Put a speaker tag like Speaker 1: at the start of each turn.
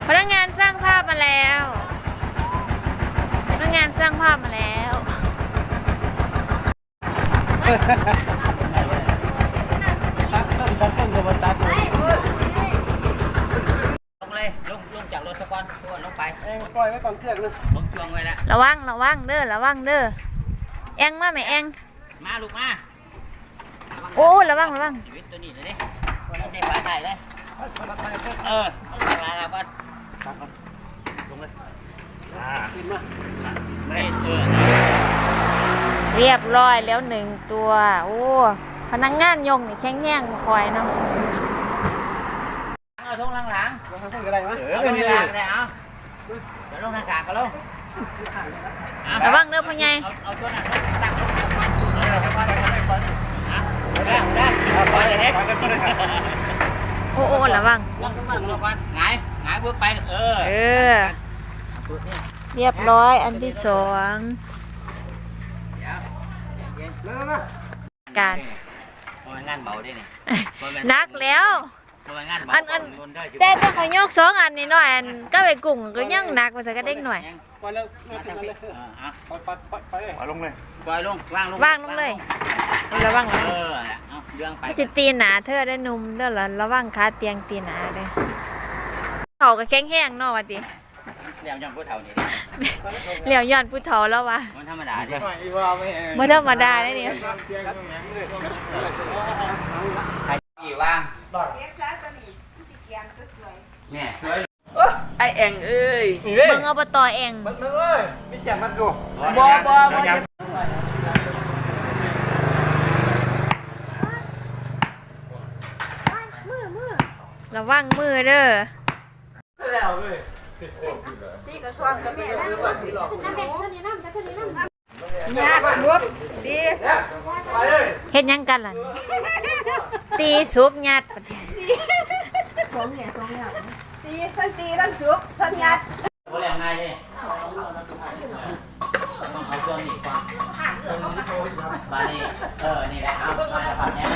Speaker 1: พนักงานสร้างภาพมาแล้วพนักงานสร้างภาพมาแล้ว
Speaker 2: ลงเลยลงจากรถตะกอนตัวลงไป
Speaker 3: ปล่อยไว้ก่อนเสือกเลย
Speaker 2: ลงช่วงไว้แล้ว
Speaker 1: ระวังเด้อระวังเด้อแองมาไหมแอง
Speaker 2: มาลูกมา
Speaker 1: โอ้ระวัง
Speaker 2: ชีวิตตัวนี้เลยดิในฝาใส่เลยต้องใส่มาแล้วก็ลงเลย
Speaker 3: ขึ้นมา
Speaker 2: ไม่
Speaker 1: เรียบร้อยแล้วหนึ่งตัวโอ้พนักงานยงนี่แข็งแรงคอยเนาะ
Speaker 2: เอาทุ่งหลัง
Speaker 3: เราทำอะไรมั้ย
Speaker 2: เอาลงในหลังเลยเอาเดี๋ยวลงทางกลางก็ลง
Speaker 1: ระวังเด้อพ่อใหญ่
Speaker 2: เอาตัวนั้นตั้งลงตะกอนได้ปล่อยเลย
Speaker 1: โอ้ระวัง
Speaker 2: ลงก่อนหงายเพื่อไป
Speaker 1: เรียบร้อยอันที่สองการ
Speaker 2: งานเบาได้นี่
Speaker 1: นักแล้วอันแต่ต้องขยกสองอันนี่หน่อยอันก็ไปกุ้งก็ยังหนักกว่าสักกระเด้งหน่อย
Speaker 3: ปล่อยเลยปล่อยลงเลย
Speaker 2: ปล่อยลง
Speaker 1: วางลงเลยระวังนะ
Speaker 2: เรื่องไป
Speaker 1: จะตีหนาเธอได้นุ่มเด้อระวังขาเตียงตีหนาเลยเขาก็แข็งแห้งเนาะวะดิ
Speaker 2: เหลี่ยมย้อนผู้เฒ่านี่
Speaker 1: เหลี่ยมย้อนผู้เฒ่าแล้ววะ
Speaker 2: มันธรรมดาดิ
Speaker 1: ไม่ธรรมดาเลยเนี่ย
Speaker 2: กี่ว่างเนี่ย
Speaker 3: ไอเองเอ้ย
Speaker 1: มึงเอาไปต่อเอง
Speaker 3: มันเลยไม่แจ่มมันดูบ
Speaker 1: ระวังมือเด้อ
Speaker 3: ตีกระซวงกับแม่ยากรวบตี
Speaker 1: เฮ็ดยังกันล่ะตีซุปยัด
Speaker 3: ตีทั้งซุปทั้งยัด
Speaker 2: โอ้แรงง่ายดิต้องเอาตัวหนีก่อนบานี่นี่แหละเอามาแบบนี้